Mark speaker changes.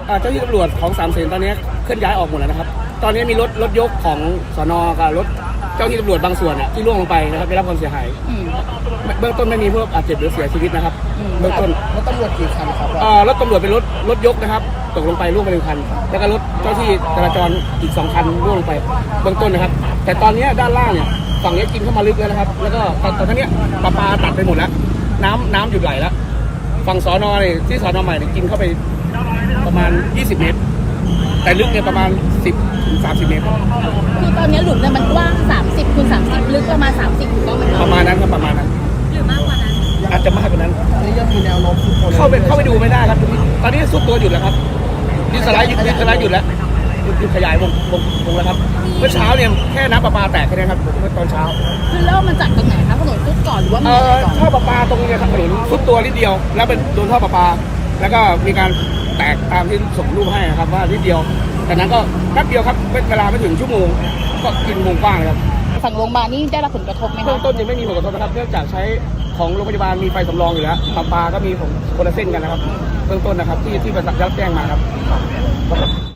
Speaker 1: เจ้าที่ตำรวจของ3 เสนตอนนี้เคลื่อนย้ายออกหมดแล้วนะครับตอนนี้มีรถยกของสน.กับรถเจ้าที่ตำรวจบางส่วนที่ล่วงลงไปนะครับได้รับความเสียหายเบื้องต้นไม่มีผู้บาดเจ็บหรือเสียชีวิตนะครับเบื้องต้น
Speaker 2: รถตำรวจกี่คันครับ
Speaker 1: รถตำรวจเป็นรถยกนะครับตกลงไปล่วงไป1 คันแล้วก็รถเจ้าที่จราจรอีก2 คันล่วงลงไปเบื้องต้นนะครับแต่ตอนนี้ด้านล่างเนี่ยฝั่งนี้กินเข้ามาลึกแล้วนะครับแล้วก็ตอนนี้ปลาตัดไปหมดแล้วน้ำหยุดไหลแล้วฝั่งสน.เนี่ยที่สน.ใหม่เนี่ยกินเข้าไปประมาณ20 เมตรแต่ลึกเนี่ยประมาณ10-30 เมตร
Speaker 3: คือตอนนี้หลุมเนี่ยมันกว้าง30 คูณ 30ลึกประมาณ30ถูกต้องไหมคะ
Speaker 1: ประมาณนั้นครับประมาณนั้น
Speaker 3: หรือมากกว่านั้น
Speaker 1: อาจจะมากกว่านั้น
Speaker 2: นี่ยังมีแนวโน้ม
Speaker 1: เข้าไปดูไม่ได้ครับตอนนี้ซุดตัวหยุดแล้วครับดิสไลด์หยุดแล้วหยุดขยายวงแล้วครับเมื่อเช้าเนี่ยแค่น้ำประปาแตกแค่นี้ครับเมื่อตอนเช้า
Speaker 3: คือเริ่มมันจากตรงไหนคะถนนซุดก่อนหรือว่ามีอะไรก่อน
Speaker 1: ท่อประปาตรงนี้ครับถนนซุดตัวนิดเดียวแล้วเป็นโดนท่อประปาแล้วก็มีการแตกตามที่ส่งรูปให้นะครับว่านิดเดียวแต่นั้นก็แป๊บเดียวครับเวลาไม่ถึงชั่วโมงก็กินวงกว้างเลยครับ
Speaker 3: ฝั่งโรงพยาบาลนี่ได้รับผลกระทบไหมคะ
Speaker 1: เบื้องต้นยังไม่มีผลกระทบนะครับเนื่องจากใช้ของโรงพยาบาลมีไฟสำรองอยู่แล้วประปาก็มีของคนละเส้นกันนะครับเบื้องต้นนะครับที่ประสานรับแจ้งมาครับ